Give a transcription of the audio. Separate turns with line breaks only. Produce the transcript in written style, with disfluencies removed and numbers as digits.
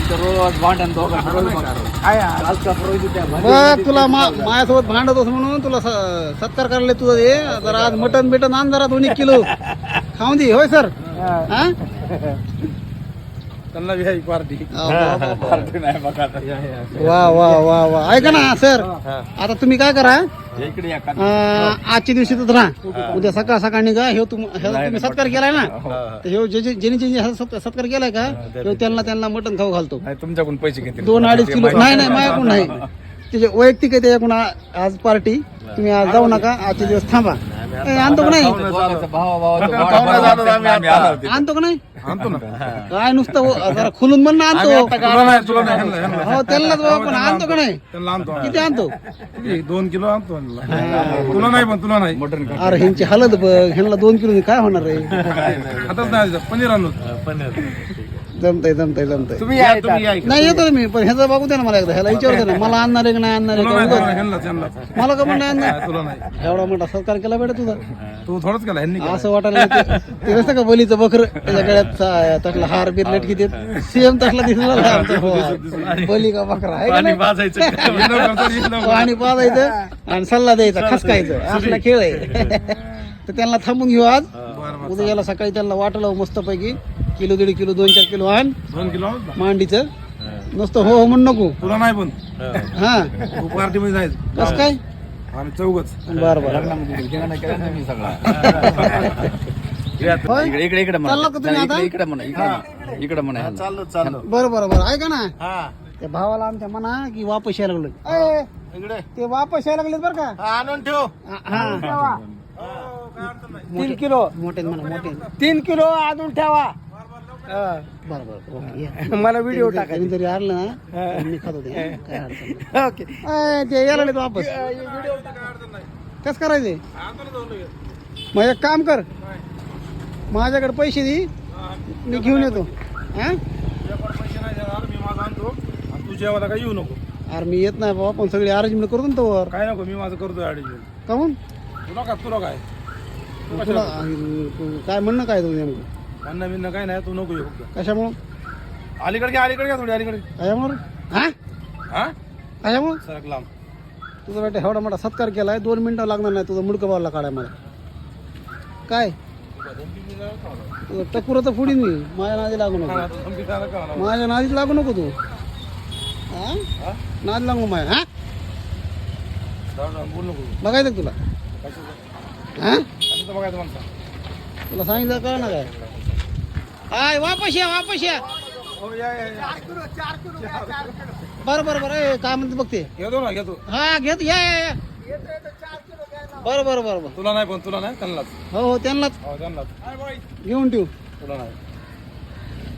रोज भांडण दोघं
बघ तुला माझ्यासोबत भांडत होस म्हणून तुला सत्कार करायला तुझं हे जरा आज मटन बिटन आण जरा 2 किलो खाऊन दे होय सर हा
त्यांना व्ही पार्टी
वा वा वा वा ऐका ना सर आता तुम्ही काय करा आजच्या दिवशी तर राहा उद्या सकाळ सकाळ निघा हे तुम्ही सत्कार केलाय ना तर हे ज्याने सत्कार केलाय का त्यांना मटण खाऊ घालतो
तुमच्याकडून पैसे घेते
2-2.5 किलो नाही माझ्याकडून नाही त्याचे वैयक्तिक आहे त्याच्याकडून आज पार्टी तुम्ही आज जाऊ नका आजचे दिवस थांबा आणतो का नाही आणतो का नाही
आणतो ना
काय नुसतं जरा खुलून म्हण ना आणतो
तुला नाही
हो त्यांनाच बाबा पण आणतो का नाही
त्यांना आणतो
किती आणतो
2 किलो आणतो तुला नाही पण तुला नाही
अरे ह्यांची हालत बघ ह्यांना 2 किलो काय होणार आहे
हातात नाही पनीर आणलो
जमतंय नाही येतो ना मी पण ह्याचा बघू दे ना मला एकदा ह्याला विचारतो ना मला आणणार आहे का नाही आणणार आहे का मला का पण नाही आणणार
तुला नाही
एवढा मोठा सत्कार केला बेटा तुझा
तू थोडंच केला ह्यांनी
असं वाटायला ते नसतं का बलीचं बकर त्याच्या गळ्यात तसला हार बीर लटकी देत सेम तसला दिसला बली का बकरा आहे का नाही? पाणी पाजायचं आणि सल्ला द्यायचा खसकायचं असला खेळ आहे तर त्यांना थांबून घेऊ आज उद्या याला सकाळी त्यांना वाटलं मस्त पैकी 1-1.5 किलो 2-4 किलो आण
2 किलो
मांडीचं नुसतं हो म्हण नको
तुला नाही पण
हा
तू पार्टी मध्ये जायचं
कस काय
आम्ही चौघच
बरं बरं होय?
इकडे
चालला का तुम्ही आता
इकडे म्हणा
बरं बरं बरं ऐका ना त्या भावाला आमच्या म्हणा की वापस यायला लागलो ते वापस यायला लागलेत बरं का
आणून ठेव
हा 3 किलो मोठे म्हणा मोठे 3 किलो आणून ठेवा बरं बरं ओके या.
मला व्हिडिओ टाकायचा
जरी आणलं ना तर मी खातो ते काय अडचण नाही.
ओके
ते यायला लागलेत वापस कसं करायचे मग एक काम कर माझ्याकडे पैसे दे मी घेऊन येतो हा
पैसे नाही देणार मी माझा आणतो आणि तू जेवायला काय येऊ नको
अरे मी येत नाही बाबा पण सगळी अरेंजमेंट करतो ना तोवर
काय नको मी माझं करतो ऍडजस्ट
काहून
तुला काय
तुला काय म्हणणं काय तुझं नेमकं
अन्न बिन्न काय नाही तू नको येऊ फक्त
कशामुळं
अलीकडे घ्या थोडी अलीकडे
कशामुळं हा
हा
कशामुळं
सरक लांब
तुझा बेटा एवढा मोठा सत्कार केलाय 2 मिनिटं लागणार नाही तुझं मुडकं बावला काढाय मला काय तुझं टकुरं तर पुढे मी माझ्या नादी लागू नको माझ्या नादीत लागू नको तू हा नाद लागू माझ्या हा
बोल नको
बघायचं का तुला हा
कसं बघायचं म्हणता
तुला सांगितलं कळ ना काय हाय वापस या
हो या
बरं ए, काय म्हणते बघते
घेतो ना घेतो
हा घेत या बरं
तुला नाही पण तुला नाही त्यांनाच
हो त्यांनाच
हो त्यांनाच
घेऊन ठेवू
तुला नाही